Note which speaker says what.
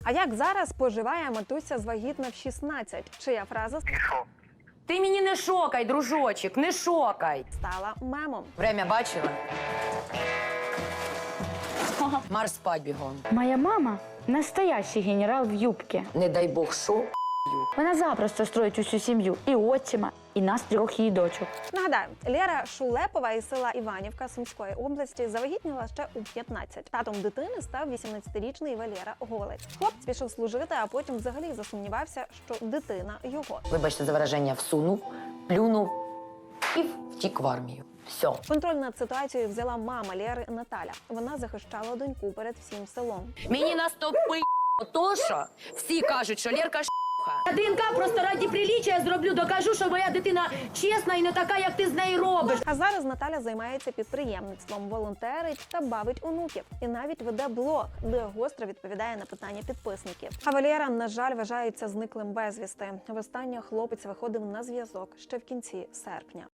Speaker 1: А як зараз поживає матуся з вагітна в 16? Чия фраза
Speaker 2: Ти мені не шокай, дружочок, не шокай.
Speaker 1: стала мемом?
Speaker 2: Время бачила? Марш спать бігом.
Speaker 3: Моя мама – настоящий генерал в юбке.
Speaker 2: Не дай Бог, що?
Speaker 3: Вона запросто строїть усю сім'ю. І отчима, і нас 3 її дочок.
Speaker 1: Нагадаю, Лера Шулепова із села Іванівка Сумської області завагітніла ще у 15. Татом дитини став 18-річний Валера Голець. Хлопець пішов служити, а потім взагалі засумнівався, що дитина його.
Speaker 2: Вибачте за вираження, всунув, плюнув і втік в армію. Все.
Speaker 1: Контроль над ситуацією взяла мама Лєри Наталя. Вона захищала доньку перед всім селом.
Speaker 2: Мені наступи то, що всі кажуть, що Лєрка
Speaker 4: ДНК просто раді приліччя зроблю, докажу, що моя дитина чесна і не така, як ти з нею робиш.
Speaker 1: А зараз Наталя займається підприємництвом, волонтерить та бавить онуків. І навіть веде блог, де гостро відповідає на питання підписників. А Валера, на жаль, вважається зниклим безвісти. Востаннє хлопець виходив на зв'язок ще в кінці серпня.